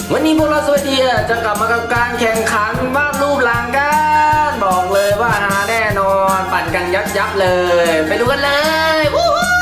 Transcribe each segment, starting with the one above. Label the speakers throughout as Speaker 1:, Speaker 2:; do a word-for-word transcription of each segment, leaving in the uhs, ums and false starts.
Speaker 1: วันนี้พวกเราสวัสดีจะกลับมากับการแข่งขันวาดรูปหลังกันบอกเลยว่าหาแน่นอนปั่นกันยับยับเลยไปดูกันเลยวู้ฮู้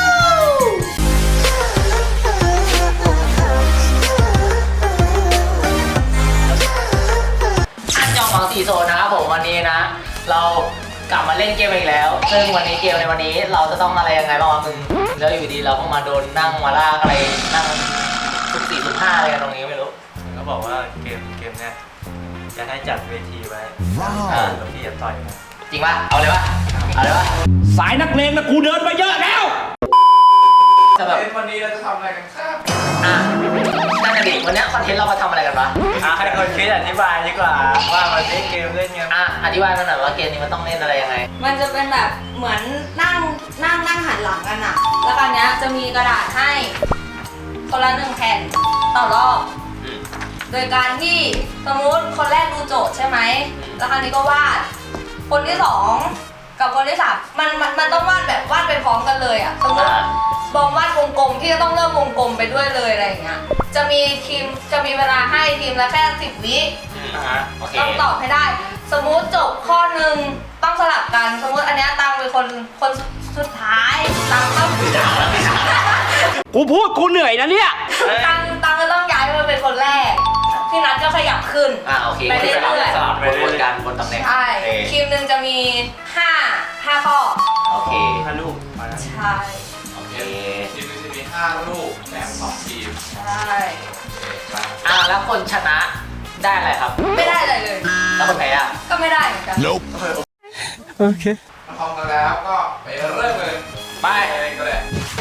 Speaker 1: อันยองหวังสีโซนนะครับผมวันนี้นะเรากลับมาเล่นเกมอีกแล้วซึ่งวันนี้เกมในวันนี้เราจะต้องอะไรยังไงบ้างวะมึงแล้วอยู่ดีเราก็มาโดนนั่งมาลากอะไรนั่งสุกสี่สุกห้าอะไรกันตรงนี้ไม่รู้
Speaker 2: ก็บอกว่าเกมเกมเนี้ยจะให้จัดเวทีไว้แล้วพี่จะต่อยนะ
Speaker 1: จริงป่ะเอาเลยป่ะเอาเลยป่ะ
Speaker 3: สายนักเลงนะกูเดินมาเยอะแล้ว
Speaker 2: จะแบบวันนี้เราจะทำอะไรกันครับ
Speaker 1: อ่ะนั่นแหละดิวันนี้คอนเทนต์เรามาทำอะไรกันวะ
Speaker 2: อ่ะให้คนคิดอธิบายดีกว่าว่ามันเล่นเกมเล่นไง
Speaker 1: อ่ะอธิบายมาหน่อยว่าเกมนี้มันต้องเล่นอะไรยังไง
Speaker 4: มันจะเป็นแบบเหมือนนั่งนั่งนั่งหันหลังกันอะแล้วคราวนี้จะมีกระดาษให้คนละหนึ่งแผ่นต่อรอบโดยการที่สมมติคนแรกดูโจทย์ใช่ไหมแล้วคราวนี้ก็วาดคนที่สองกับคนที่สามมันมันมันต้องวาดแบบวาดไปพร้อมกันเลยอะสมมติบอมวาดวงกลมที่จะต้องเริ่มวงกลมไปด้วยเลยอะไรอย่างเงี้ยจะมีทีมจะมีเวลาให้ทีมละแค่สิบวิต้องตอบให้ได้สมมุติจบข้อหนึ่งต้องสลับกันสมมุติอันนี้ตังเป็นคนคนสุดท้ายตังต้อง
Speaker 3: กูพูดกูเหนื่อยนะเนี่ย
Speaker 4: ตังตังก็ต้องย้ายมาเป็นคนแรกพี่นัทก็ขยับขึ้น
Speaker 1: อ่าโอเค
Speaker 4: ไปเรื่อยๆ
Speaker 1: สลับวนกันบนตำแหน่ง
Speaker 4: ใช่ทีมหนึ่งจะมีห้าห้าข้อ
Speaker 1: โอเค
Speaker 2: ห้าลูก
Speaker 4: ใช่
Speaker 1: โอเค
Speaker 2: ทีมหนึ่งจะมีห้าลูกแบ่งสองทีม
Speaker 4: ใช่
Speaker 1: อ่าแล้วคนชนะได้อะไรครับ
Speaker 4: ไม่ได้อะไรเลย
Speaker 1: แล้วคนแพ้อ่ะ
Speaker 4: ก็ไม่ได้เหมือนกัน
Speaker 3: โอเค
Speaker 2: มาพร้อมกันแล้วก็ไปเริ่มเลย
Speaker 1: ไป
Speaker 2: ก็เลย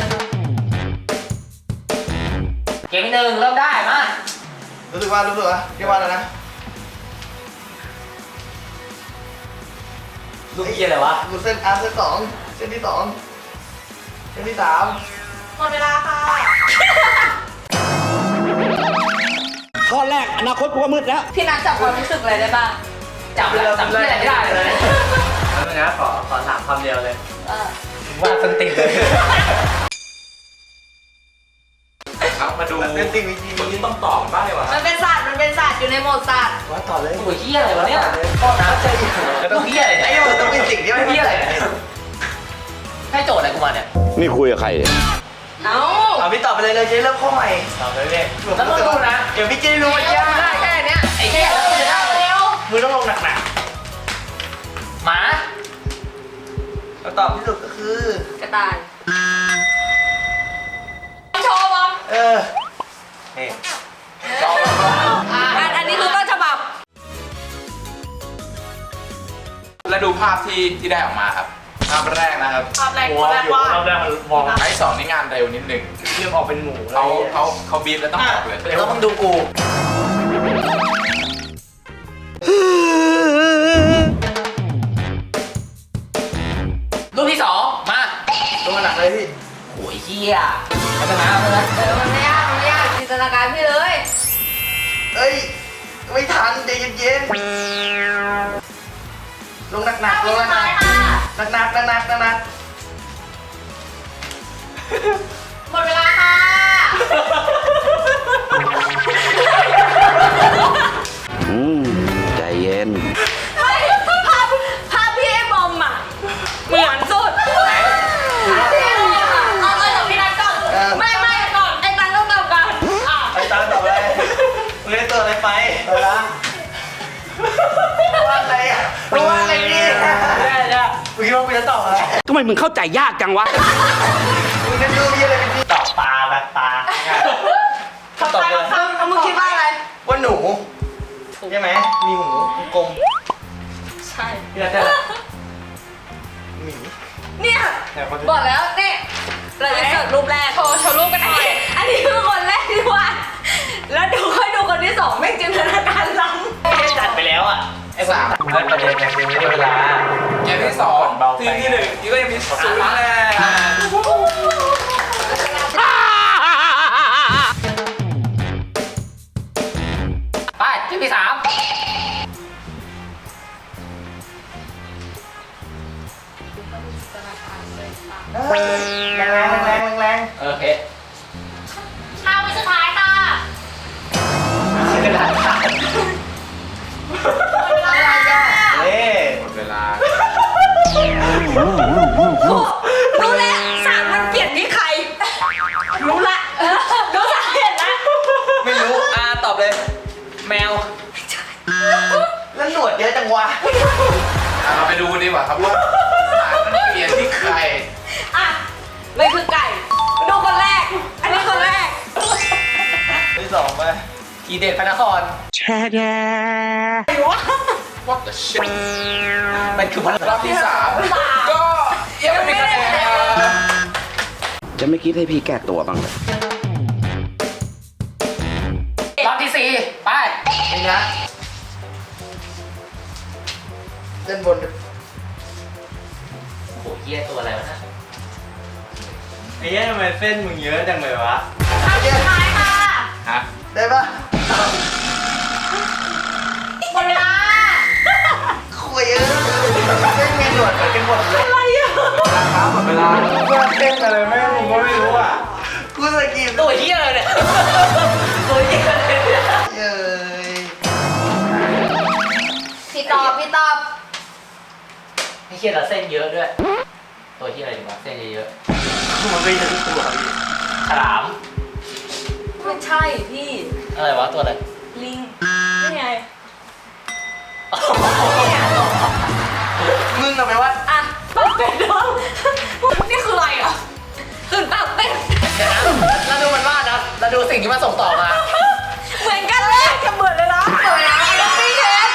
Speaker 1: เกมที่หนึ่งเริ่มได้มา
Speaker 2: รู้สึกว่ารู้สึกว่าเรียกว่าอะไรนะ
Speaker 1: ลูกยี่อะไรวะ
Speaker 2: ลูกเส้นอาร์เส้นสองเส้นที่สองเส้นที่สาม
Speaker 4: หมดเวลาค่ะ
Speaker 3: ข้อแรกอนาคตกูก็มืดแล้ว
Speaker 4: พี่นัทจับความรู้สึกอะไรได้บ้าง
Speaker 1: จับแล้วจับที่อะไรไม่ได้เลย
Speaker 2: แล้วนะขอขอถามคำเดียวเลย
Speaker 1: ว่าสติเลย
Speaker 2: ครับมาดูเป็นสิ่งวิธีนี้ต้องตอบบ้างเลยวะ
Speaker 4: มันเป็นศาสตร์มันเป็นศาสตร์อยู่ในโหมดศาสตร์
Speaker 2: ว่าต่อเลย
Speaker 1: โอ้ยเฮียอะไรวะเนี่ยข้อน้ำใจจะต้องเฮียอะไร
Speaker 2: ไอ้โหต้องเป็นสิ่งที่ไม่
Speaker 1: เฮียอะไรให้โจทย์อะไรกูมาเนี่ย
Speaker 5: นี่คุยกับใครเนี่ย
Speaker 4: เอา
Speaker 2: เอาพี่ตอบไปเลยเลยเจ๊เริ่มข้อใหม่ตอบเลยเลย
Speaker 1: แล้วต้องดูนะ
Speaker 2: เดี๋ยวพี่เจ๊รู้ว่า
Speaker 1: จะได้แค่เนี้ยไอ้แค่แล้วจะได้
Speaker 4: เร็ว
Speaker 2: มือต้องลงหนักหนัก
Speaker 1: หมา
Speaker 2: คำตอบที่สุดก็คือก
Speaker 4: ระต่ายโชว์บอม
Speaker 2: เออนี่
Speaker 4: อันอันนี้คือต้นฉบับ
Speaker 6: แล้วดูภาพที่ที่ได้ออกมาครับภาพแรกนะครับ
Speaker 4: ภาพแรกภาพแรกว่า
Speaker 2: ภาพแรกมันมอง
Speaker 6: ไอ้สองนี่งานเร็วนิดนึง
Speaker 2: เรื่องออกเป็นหมู
Speaker 6: เขาเขาเขาบีบแล้วต้องออกเลย
Speaker 1: แล้วมึงดูกูรูปที่สองมา
Speaker 2: ดูมันหนักเลยพี่
Speaker 1: โอ้ยเฮียพัฒนาเลย
Speaker 4: เออมันไม่ยากมันไม่ยากจินตนาการพี่เลย
Speaker 2: เอ้ยไม่ทันใจเย็นๆลงหนักหนักลงหนักหนักหนักหนักหนักหนักหนักหนัก
Speaker 4: หมดเวลาค่ะ
Speaker 5: อืมใจเย็น
Speaker 4: เฮ้ยภาพภาพพี่ไอ้บอมอ่ะเหมือนสุดไหนเอาเอาจากพี่นัทก่อนไม่ไม่ก่อนไอ้ตังต้องตอบก่อนอ่ะ
Speaker 2: ไอ้ตังตอบอะไรมึงได้ตัวอะไรไปตัวละว่าอะไรอ่ะว่าอะไรนี่แย่จ้ะมึงคิดว่ามึงจะตอบอะไร
Speaker 3: ทำไมมึงเข้าใจยากจังวะ
Speaker 2: มึงจะดูมีอะไรเป็นที่ตอบปลาแบบปลา
Speaker 4: ตอบเลยมึงคิดว่าอะไร
Speaker 2: ว่าหนูใช่ไหมมีหูกลม
Speaker 4: ใช่
Speaker 2: พี่นัทได้หมี
Speaker 4: เนี่ยบอกแล้วเนี่ยเราจะเสิร์ฟรูปแรกโชว์โชว์รูปกันหน่อยอันนี้คือคนแรกที่วาดแล้วดูค่อยดูคนที่สองไม่จินตนาการล้
Speaker 1: ำจัดไปแล้วอ่ะไอ้สาม
Speaker 2: เล่นประเด็นยังไม่ได้เวลา
Speaker 6: เกมที่สองทีมที่หนึ่งนี่ก็ยังมีศูนย์แน่
Speaker 1: ไปทีมที่สาม
Speaker 2: แรงแรงแรงแรง
Speaker 1: โอเค
Speaker 4: ห้าวิสุดท้ายค่ะ
Speaker 1: กระดาแมว
Speaker 3: แล้วหนวดเยอะจังวะ
Speaker 6: อ่ะเราไปดูดีกว่าครับว่าสารมันเปลี่ยนที่ใคร
Speaker 4: อ่ะไม่คือไก่ดูคนแรก อันนี้คนแรก
Speaker 3: ที่สองไป
Speaker 1: อีเดชพระนคร
Speaker 6: What the shit
Speaker 1: มันคือพระนค
Speaker 6: ร
Speaker 1: ร
Speaker 6: อบที่สามก็ยังไม่มีคะแนนนะครับ
Speaker 5: จะไม่คิดให้พี่แก้ตัวบ้างเลย
Speaker 1: รอบที่สี่ไปนี่นะ
Speaker 3: เล่นบน
Speaker 1: โอ้โหเหี้ยตัวอะไรวะนะ
Speaker 2: ไอ้เหี้ยทำไมเส้นมึงเยอะจังเลยวะ
Speaker 4: คำสุดท้ายค่ะ
Speaker 6: ฮะ
Speaker 3: ได้ปะ
Speaker 4: หมดเวลา
Speaker 3: คุยเออเล่นเมนหนวดเหมือนกันหมดเลย
Speaker 4: อะไรอ่ะ
Speaker 3: ครับหมดเวลา
Speaker 2: ว่าเส้นอะไรแม่งมึงก็ไม่รู้อ่ะ
Speaker 3: กูสกิน
Speaker 1: ตัวเหี้ยเลยเนี่ยตัวเหี้ยเลยเนี่ย
Speaker 3: เย้ย
Speaker 4: พี่ตอบพี่ตอบ
Speaker 1: ไอ้เหี้ยเราเส้นเยอะด้วย ตัวเหี้ยอะไรดีวะเส้นเยอะ
Speaker 3: มันไม่ใช่ทุกตัวพี่
Speaker 1: ๆฉลาม
Speaker 4: ไม่ใช่พี่
Speaker 1: อะไรวะตัวอะไร
Speaker 4: ลิงนี่ไง
Speaker 3: มึงเอาไปว่า
Speaker 4: อ่ะปากเป็ดน้องนี่คืออะไรอ่ะตื่นปากเป็ด
Speaker 1: เดี๋ยวนะเราดูมันวาดนะเราดูสิ่งที่มันส่งต่อมา
Speaker 4: เหมือนกันเลยจะเหมือนเลยนะเหมือนนะไอ้พี่เทส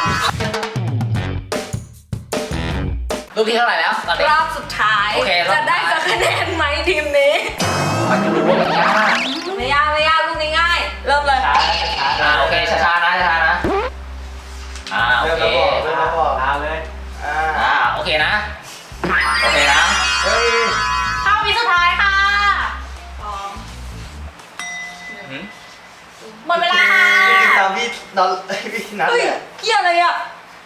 Speaker 1: รูปที่เท่าไหร่แล้วตอนนี้
Speaker 4: รอบสุดท้าย
Speaker 1: โอเครอบสุ
Speaker 4: จะ
Speaker 1: ดท้าย
Speaker 4: ได้สักคะแนนไหมทีมนี้
Speaker 1: มันจะรู้ว่ามันยาก
Speaker 4: ไม่ยากไม่ยากลูกง่ายๆเริ่มเลย
Speaker 1: ช้าช้าอ่าโอเคช้าๆนะช้าๆนะอ่าโอ
Speaker 3: เริ่ม
Speaker 1: เค
Speaker 3: แล้วบอกเริ่มแล้วบอก
Speaker 2: เอาเลย
Speaker 3: อ่า
Speaker 1: อ่าโอเคนะโอเคนะ
Speaker 3: เฮ้ย
Speaker 4: เข้าวิสุดท้ายค่ะสอง
Speaker 6: หืม
Speaker 4: หมดเวลาค่ะ
Speaker 3: พี่ตามพี่นอนพี่นัด
Speaker 4: เฮ้ย
Speaker 3: เลย
Speaker 4: เกี่ยวอะไรอ่ะ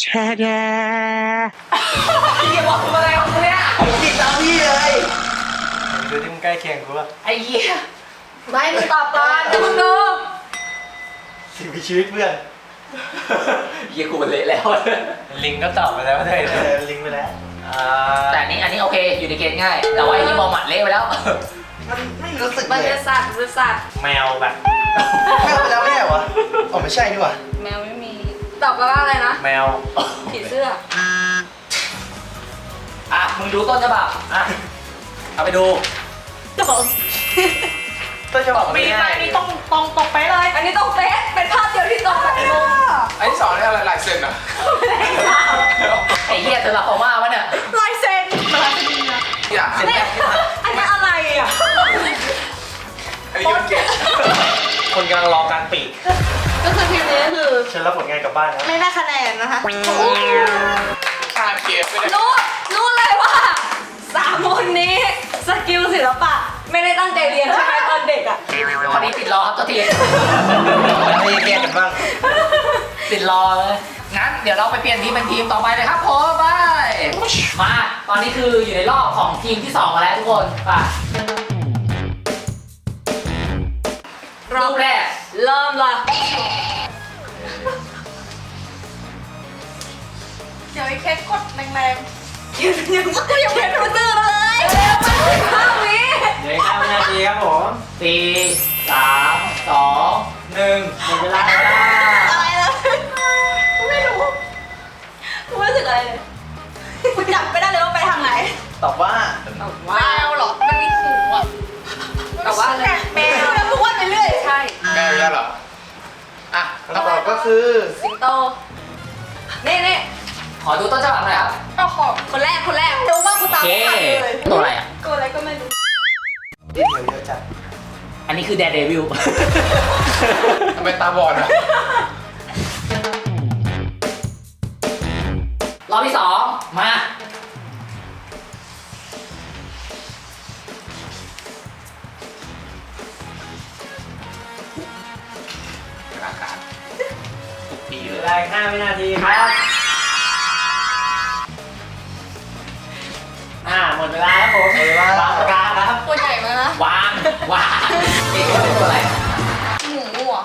Speaker 1: พี่อย่าบอกผมอะไรของมึงเนี่ย
Speaker 3: พี่ตามพี่เลย
Speaker 2: ดูที่มึงใกล้เคียงกูป่ะ
Speaker 1: ไอ้เหี้ย
Speaker 4: ไม่มึงตอบก่อนจะมึงดู
Speaker 3: สิ่งมีชีวิตเพื่อน
Speaker 1: เหี้ยกูมันเละแล้ว
Speaker 2: ลิงก็ตอบไปแล้วด้วย
Speaker 3: เอ
Speaker 2: นะ
Speaker 3: อลิงก์ไปแล้ว
Speaker 2: อ่า
Speaker 1: แต่อันนี้อันนี้โอเคอยู่ในเกณฑ์ง่าย แต่ว่าไอ้ที่มองหมัดเละไปแล้ว
Speaker 3: มันไม่รู้สึก
Speaker 4: มัน
Speaker 3: เล
Speaker 4: เป็
Speaker 3: ย
Speaker 4: นสัตว์เป็นสัตว์
Speaker 2: แมวแบบ
Speaker 3: ไม่เอาไปแล้วไม่ใช่เหรอวะอ๋อไม่ใช่ดีกว่า
Speaker 4: แมวไม่มี ตอบว่าอะไรนะ
Speaker 2: แมว
Speaker 4: ผีเสื้อ
Speaker 1: อ่ะมึงดูต้นฉบับอ่ะเอาไปดู
Speaker 4: ตอบ
Speaker 3: ต้นฉบับมัน
Speaker 1: มี
Speaker 3: ไม่
Speaker 1: ใคร
Speaker 3: ง่าย
Speaker 1: นี่ต้องต้องตรงไปเลย
Speaker 4: อันนี้ต้องเฟซเป็นภาพเดียวที่ตรงแบบงง
Speaker 6: ไอ้ที่สองนี่อะไรลายเซ็นเหรอ
Speaker 1: ไอ้เหี้ยเธอละเขามาวะเนี่ย
Speaker 4: ลายเซ็นลายเซ็น
Speaker 6: อย่า
Speaker 4: เนี่ยอันนี้อะไรอ่ะ
Speaker 6: อันนี้มันเก่ง
Speaker 2: คนกำลังรอการปีก
Speaker 4: ก็คือทีมนี้คือ
Speaker 2: ฉันรับผลงานกลับบ้านแล้ว
Speaker 4: ไม่ได้คะแนนนะคะ
Speaker 6: ขาดเกมไปเลย
Speaker 4: รู้รู้เลยว่าสามคนนี้สกิลศิลปะ ไม่ได้ตั้งใจเรียนใช่ไหมตอนเด็กอ่ะ
Speaker 1: พอดีติดรอครับตัวที
Speaker 3: ไม่แก้กันบ้าง
Speaker 1: ติดรอเลยงั้นเดี๋ยวเราไปเปลี่ยนทีมเป็นทีมต่อไปเลยครับผมไปมาตอนนี้คืออยู่ในรอบของทีมที่สองมาแล้วทุกคนไปรอบแรก
Speaker 4: เริ่มละ
Speaker 7: เดี๋ยวไอ้เคสกดแรง
Speaker 4: ยังยังก็ยังไม่รู้ตื่นเลยเร็วมากห้าวิ
Speaker 2: เดี๋ยวข้ามนาทีครับผม
Speaker 1: สี่สามสองหนึ่งหมดเวลาแล้ว
Speaker 7: ๆอะไรนะกูไม่รู้
Speaker 4: กูไม่รู้สึกอะไรเลย
Speaker 7: กูจับไม่ได้เลยว่าไปทางไหน
Speaker 3: ตอบว่า
Speaker 7: แมวเหรอ มันมีหูอ่ะ
Speaker 4: แต่ว่าอะไร
Speaker 7: แมวแล้วกูว่าไปเรื่อย
Speaker 4: ใช่
Speaker 6: แม่ไม่ใช่เหรอ อ่ะ
Speaker 3: คำตอบก็คือ
Speaker 4: สิงโตนี่นี่
Speaker 1: ขอดูต้นฉบับหน่อยครับ
Speaker 7: เอาของ
Speaker 4: คนแรกคนแรก
Speaker 7: รู้ว่ากูตาม
Speaker 1: โอเค
Speaker 7: ไม่ทันเลย
Speaker 1: ตัวอะไรอ่ะ
Speaker 7: กูอะไรก็ไม่รู้
Speaker 3: ดิ้นเหนียวเยอะจัด
Speaker 1: อันนี้คือแดร์เดวิล
Speaker 6: ทำไมตาบอดอ่ะ
Speaker 1: รอบที่สองมา
Speaker 6: อากาศทุกปี
Speaker 2: เห
Speaker 6: เล
Speaker 2: ลือย เวลาอีกห้าวินาทีครับ อ่าหมดเวลาแล้วผม
Speaker 3: หมดเวลา
Speaker 2: วางปากกาครับ
Speaker 7: ตัวใหญ่มากนะ
Speaker 1: วางวางเอ๊ะเป็นตัวอะไร
Speaker 7: หมูอ่ะ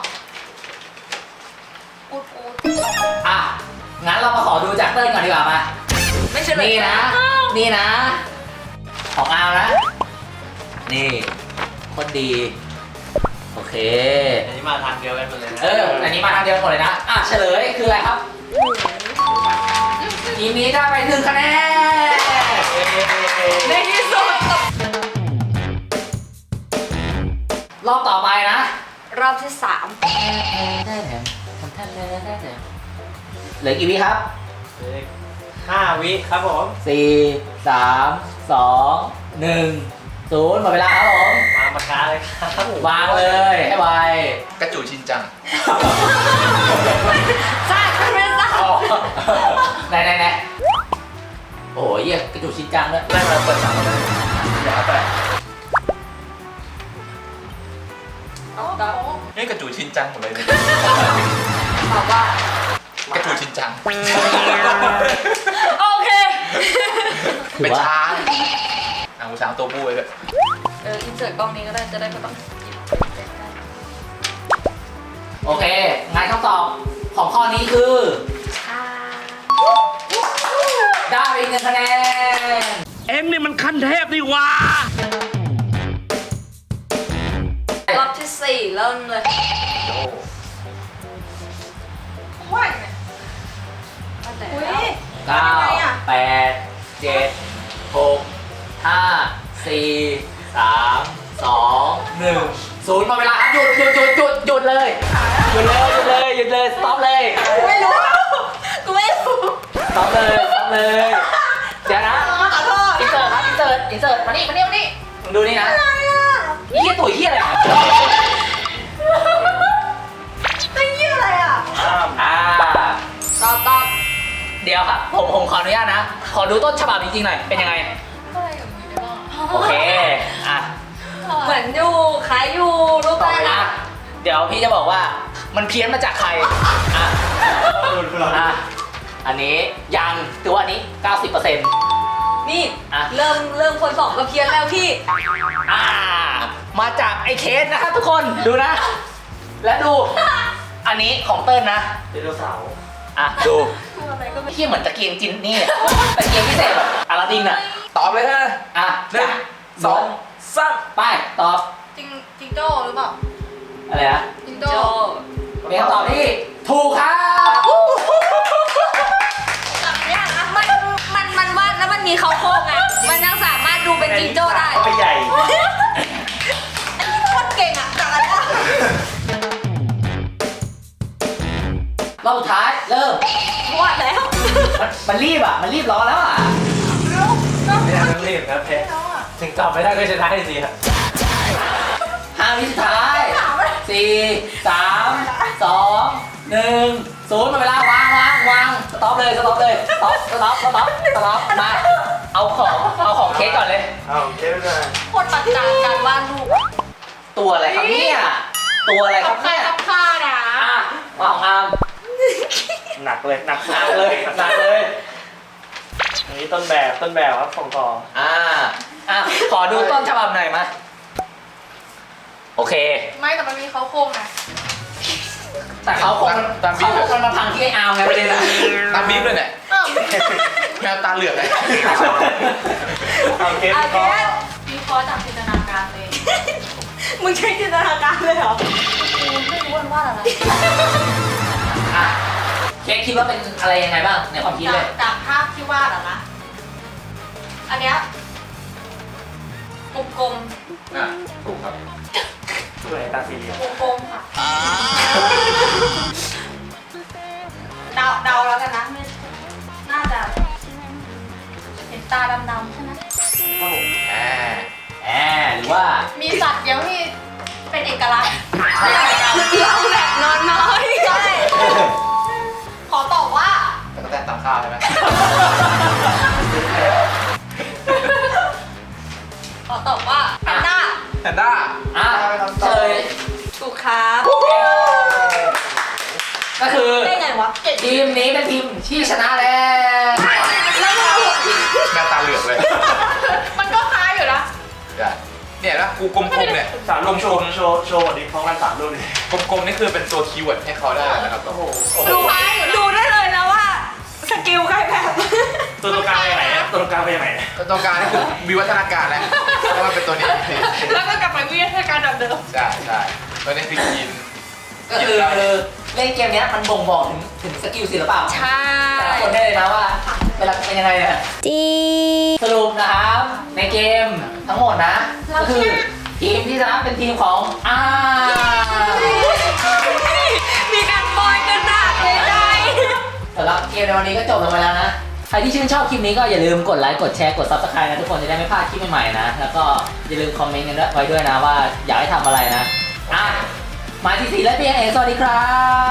Speaker 7: อูดอูด
Speaker 1: อ่ะ งั้นเรามาขอดูจากเต้นก่อนดีกว่ามา
Speaker 4: ไม่ใช่เลย
Speaker 1: นี่นะ นี่นะ ของอาวนะ นี่ คนดีโอเค
Speaker 2: อันนี้มาทางเดียวกันหมดเลยนะ
Speaker 1: เออ อันนี้มาทางเดียวกันหมดเลยนะ อ่ะเฉลยคืออะไรครับทีมนี้ได้ไปหนึ่งคะแนน
Speaker 4: ในที่สุด
Speaker 1: รอบต่อไปนะ
Speaker 4: รอบที่สาม
Speaker 1: เหลือกี่วิครับ
Speaker 2: เหลือห้าวิครับผม
Speaker 1: สี่สามสองหนึ่งศูนย์หมดเวลาครับผม
Speaker 2: มาปากกาเลยครับ
Speaker 1: วางเลยให้ไว
Speaker 6: กระจูชินจัง
Speaker 4: ใช่ไม่เป็นไร
Speaker 1: เอาไหนไหนไหนโอ้ยเยี่ยกระจุกชิ้นจังด้วย
Speaker 2: ได้มาเปิดสามแล้วเดี๋ยวไป
Speaker 7: โอ้โห
Speaker 6: นี่กระจูชินจังหมดเลยเนี่ย
Speaker 4: ตอบว่า
Speaker 6: กระจูชินจัง
Speaker 4: โอเค
Speaker 1: ถื
Speaker 6: เป็น
Speaker 1: อว่า
Speaker 6: ช้างอ่ะกูช้างตัวผู้ไว้ด้วย
Speaker 7: เอออินเสิร์ตกล้องนี้ก็ได้จะได้ไม่ต้อง
Speaker 1: โอเคงานคำตอบของข้อนี้คือ ได้ไปอีกหนึ่งคะแนน
Speaker 5: เอ็งนี่มันขั้นเทพนี่หว่า
Speaker 4: รอบที่สี่เริ่มเลย
Speaker 7: ว่ายเนี่ย
Speaker 4: ตั้งแต่
Speaker 7: อุ้ย
Speaker 1: เก้า
Speaker 7: ยังไงอะ
Speaker 1: แปดเจ็ดหกห้าสี่สามสองหนึ่งศูนย์หมดเวลาครับหยุดหยุดหยุดหยุดหยุดเลยหยุดเลยหยุดเลยหยุดเลยสต็อปเลย
Speaker 7: กูไม่รู้กูไม่รู้
Speaker 1: สต็อปเลยสต็อปเลยเดี๋ยวนะ
Speaker 7: ขอโทษ
Speaker 1: อินเสิร์ตครับอินเสิร์ตอินเสิร์ตมานี่มานี่มานี่มึงดูนี่นะนี่เหี้ยตุ๋ยเหี้ยอะไรอ่ะ
Speaker 7: ไม่เยี่ยอะไรอ่ะ
Speaker 2: อ้าม
Speaker 1: อ่า
Speaker 4: ตอบตอบ
Speaker 1: เดี๋ยวครับผมผมขออนุญาตนะ ขอดูต้นฉบับจริงๆหน่อยเป็นยังไง
Speaker 7: อะไรกับมึงได้บ้าง
Speaker 1: โอเคอ่ะ
Speaker 4: เหมือนอยู่คล้ายอยู่รูป
Speaker 1: ต่อ
Speaker 4: ได้
Speaker 1: ไป
Speaker 4: นะ
Speaker 1: นะเดี๋ยวพี่จะบอกว่ามันเพี้ยนมาจากใครอ่ะ
Speaker 2: รุนรุน
Speaker 1: อ่ะอันนี้ยังถือว่าอันนี้ เก้าสิบเปอร์เซ็นต์
Speaker 4: นี่
Speaker 1: อ่ะ
Speaker 4: เริ่มเริ่มคนสองก็เพี้ยนแล้วพี่
Speaker 1: อ่า มาจากไอ้เคสนะครับทุกคนดูนะ และดู อันนี้ของเติ้ลนะ
Speaker 2: ไดโนเสาร์
Speaker 1: อ่ะดู
Speaker 7: กูอะไรก็ไม่
Speaker 1: เที่ยเหมือนตะเกียงจินนี่อะตะเกียงพิเศษแบบอลาดินอ่ะ
Speaker 6: ตอบเลยนะ
Speaker 1: อ่ะ
Speaker 6: หนึ่งสองสาม
Speaker 1: ไปตอบ
Speaker 7: จริงจริงโจ้หรือเปล่า
Speaker 1: อะไรนะ
Speaker 7: จริง
Speaker 4: โจ
Speaker 7: โจ้
Speaker 1: เป็นคำตอบที่ถูกครับ
Speaker 7: จับเนี่ยนะ
Speaker 4: มันมันมันวาดแล้วมันมีเขาโครงไงมันยังสามารถดูเป็นจิงโจ้ได้
Speaker 2: ไปใหญ่
Speaker 7: อันนี้โคตรเก่งอ่ะจับอันเนี้ย
Speaker 1: รอบสุดท้ายเริ่ม
Speaker 4: วาดแล้ว
Speaker 1: มันมันรีบอ่ะ มันรีบร้อนแล้วอ่ะ
Speaker 2: ไม่ได้ต้องรีบครับเพชรถึงตอบไม่ได้ก็ชนะสิครับ
Speaker 1: ห้าวิสุดท้ายสี่สามสองหนึ่งศูนย์หมดเวลาวางวางวางสต็อปเลยสต็อปเลยสต็อปสต็อปสต็อปสต็อปมาเอาของเอาของเค้กก่อนเลย
Speaker 2: เอาเก็บเลย
Speaker 7: โคตรปัจจัยการวาดรูป
Speaker 1: ตัวอะไรครับเนี่ยตัวอะไรค
Speaker 7: กั
Speaker 1: รั
Speaker 7: บบ ใคร
Speaker 1: เนี่ย
Speaker 7: กับข้านะ
Speaker 1: อ่ะมาของอาม
Speaker 2: หนักเลยหนัก
Speaker 1: หนักเลยหนักเลย
Speaker 2: อันนี้ต้นแบบต้นแบบครับส่งต่อ
Speaker 1: อ่าอ่ะขอดูต้นฉบับหน่อยมาโอเค
Speaker 7: ไม่แต่มันมีเขาโครงไง
Speaker 1: แต่เขาคงเขาคงมันมาพังที่ไอ้อามไงประเด็นนะ
Speaker 6: ตามบีบเลยเนี่ย
Speaker 7: อ้าว
Speaker 6: แมวตาเหลือกเลย
Speaker 2: เอาเก็บ
Speaker 4: โอเค
Speaker 2: ก็
Speaker 7: มีคอจากจินตนาการเลย
Speaker 4: มึงใช้จินตนาการเลยเหรอ
Speaker 7: กูไม่รู้ว่ามันวาดอะไร
Speaker 1: อ่ะเค้กคิดว่าเป็นอะไรยังไงบ้างในความคิด
Speaker 7: จา
Speaker 1: เล
Speaker 7: ก
Speaker 1: ย
Speaker 7: จากภาพที่วาดอะนะ อันเนี้ยกลม
Speaker 6: อ่ะถูกครับ
Speaker 2: สวยตาสีเหลือง
Speaker 7: ๆกลมๆค่ะเดาเดาแล้วกันนะไม่น่าจะเห็นตาดำๆใช่ไหม
Speaker 2: ครับผม
Speaker 6: แหม
Speaker 1: แอบหรือว่า
Speaker 7: มีสัตว์เดียวที่เป็นเอกลักษณ์
Speaker 4: เราแบบนอนน้อย
Speaker 7: ใช่ขอตอบว่า
Speaker 6: แต่ก็แต่ตามข้าวใช่ไหม
Speaker 7: ขอตอบว่าแพนด้า
Speaker 6: แพนด้า
Speaker 1: อ่ะเฉลย
Speaker 4: ถูกครับ
Speaker 1: ก็คือ
Speaker 7: ได้ไงวะเก่ง
Speaker 1: ทีมนี้เป็นทีมที่ชนะแล้ว
Speaker 7: แล้วมันถูก
Speaker 6: แมวตาเหลือกเลย
Speaker 7: มันก็คล้ายอยู่นะ
Speaker 6: ได้เนี่ยนะกูกลมๆเนี่ย
Speaker 2: สามลูกโชว์โชว์โชว์วันนี้พร้อมกันสามลูกเลย
Speaker 6: กลมๆนี่คือเป็นตัวคีย์เวิร์ดให้เขาได้นะครับ
Speaker 2: โอ้โห
Speaker 4: ดูดูได้เลยนะว่า สกิลใครแบบ
Speaker 2: ตัวตรงกลางไปไหนนะตัวตรงกลางไปไหน
Speaker 6: ตรงกลางนี่คือวิวัฒนาการแล้วเพราะว่าเป็นตัวนี้
Speaker 7: แล้วก็กลับไปวิทยาการแบบเดิม
Speaker 6: ใช่ใช่ไม่ได้พิกิน
Speaker 1: ก็คือเล่นเกมเนี้ยมันบ่งบอกถึงถึงสกิลศิลปะ
Speaker 4: ใช่
Speaker 1: แต่ละคนได้เลยนะว่าเวลาเป็นยังไงเนี่ย
Speaker 4: จี
Speaker 1: สรุปนะครับในเกมทั้งหมดนะก็คือทีมที่ชนะเป็นทีมของอา
Speaker 4: มีการบอยกันหนักเลยได้
Speaker 1: สำหรับเกมในวันนี้ก็จบลงไปแล้วนะ ใครที่ชื่นชอบคลิปนี้ก็อย่าลืมกดไลค์กดแชร์กด ซับสไครบ์ นะทุกคนจะได้ไม่พลาดคลิปใหม่ๆนะ แล้วก็อย่าลืมคอมเมนต์กันไว้ด้วยนะว่าอยากให้ทำอะไรนะอ่ะมาที่สี่และเพียงเองสวัสดีครับ